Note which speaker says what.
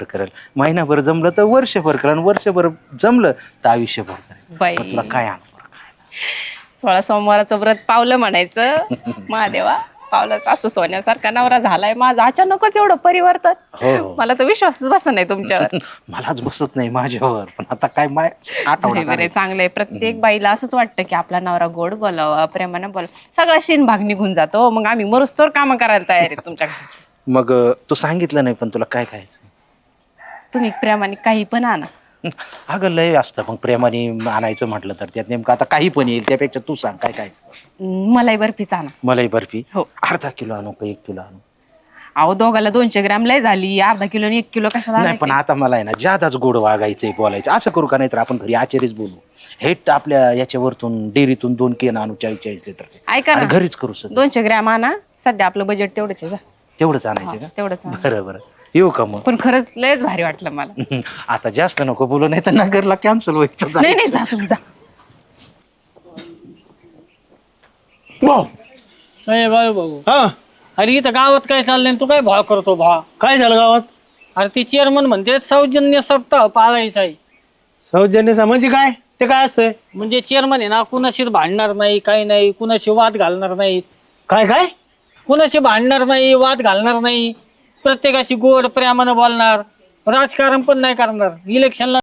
Speaker 1: करेल, महिनाभर जमलं तर वर्षभर करेल, आणि वर्षभर जमलं तर आयुष्यभर करेल.
Speaker 2: बाई
Speaker 1: मग तुला काय आणू?
Speaker 2: 16 सोमवाराचं व्रत पावलं म्हणायचं. महादेवा पावलंच, असं सोन्यासारखा नवरा झालाय माझा. अचानकच एवढं परिवर्तन.
Speaker 1: हो.
Speaker 2: मला तर विश्वासच बसत नाही तुमच्यावर.
Speaker 1: मलाच बसत नाही माझ्यावर, पण आता काय माय आठवडा
Speaker 2: बरे चांगलंय. प्रत्येक बाईला असंच वाटतं की आपला नवरा गोड बोलावा, प्रेमानं बोलावा. सगळा शीन भाग निघून जातो. मग आम्ही मरुस्तोवर काम करायला तयार आहे तुमच्या घरी.
Speaker 1: मग तू सांगितलं नाही, पण तुला काय खायचं?
Speaker 2: तुम्ही प्रेमाने काही पण आणा.
Speaker 1: अगं लय असतं मग प्रेमाने आणायचं म्हटलं तर, त्यात नेमकं आता काही पण येईल. त्यापेक्षा तू सांग काय काय.
Speaker 2: मलाई बर्फीच आणा.
Speaker 1: मलाई बर्फी
Speaker 2: हो.
Speaker 1: अर्धा किलो आणू का 1 किलो आणू?
Speaker 2: अहो दोघाला 200 ग्रॅम लय झाली. अर्धा किलो आणि 1 किलो कशाला
Speaker 1: नाही, पण
Speaker 2: आणायची?
Speaker 1: आता मला आहे ना जादाच गोड वागायचंय, बोलायचं. असं करू का? नाही तर आपण घरी आचार्यच बोलू. हेट आपल्या याच्यावरतून डेअरीतून 2 केन आणू 40-40 लिटर.
Speaker 2: ऐका
Speaker 1: आणि
Speaker 2: ना,
Speaker 1: घरीच करू सगळं.
Speaker 2: 200 ग्रॅम आणा. सध्या आपलं बजेट तेवढंच आहे. जा.
Speaker 1: तेवढंच आणायचं का?
Speaker 2: तेवढंच आणा.
Speaker 1: बरं बरं, येऊ का मग?
Speaker 2: पण खरंच लयच भारी वाटलं मला.
Speaker 1: आता जास्त नको बोलू, नाही तर नगरला कॅन्सल व्हायचं.
Speaker 2: नाही नाही, जा तुम्ही जा.
Speaker 3: अरे बाळू भाऊ,
Speaker 4: हा
Speaker 3: अरे इथं गावात काय चाललंय तू काय भाव करतो भा?
Speaker 4: काय झालं गावात?
Speaker 3: अरे ती चेअरमन म्हणते सौजन्य सप्ताह पाळायचा आहे.
Speaker 4: सौजन्य म्हणजे काय? ते काय असतंय?
Speaker 3: म्हणजे चेअरमन आहे ना, कुणाशीच भांडणार नाही, काही नाही, कुणाशी वाद घालणार नाहीत.
Speaker 4: काय काय?
Speaker 3: कुणाशी भांडणार नाही, वाद घालणार नाही, प्रत्येकाशी गोड प्रेमानं बोलणार, राजकारण पण नाही करणार, इलेक्शनला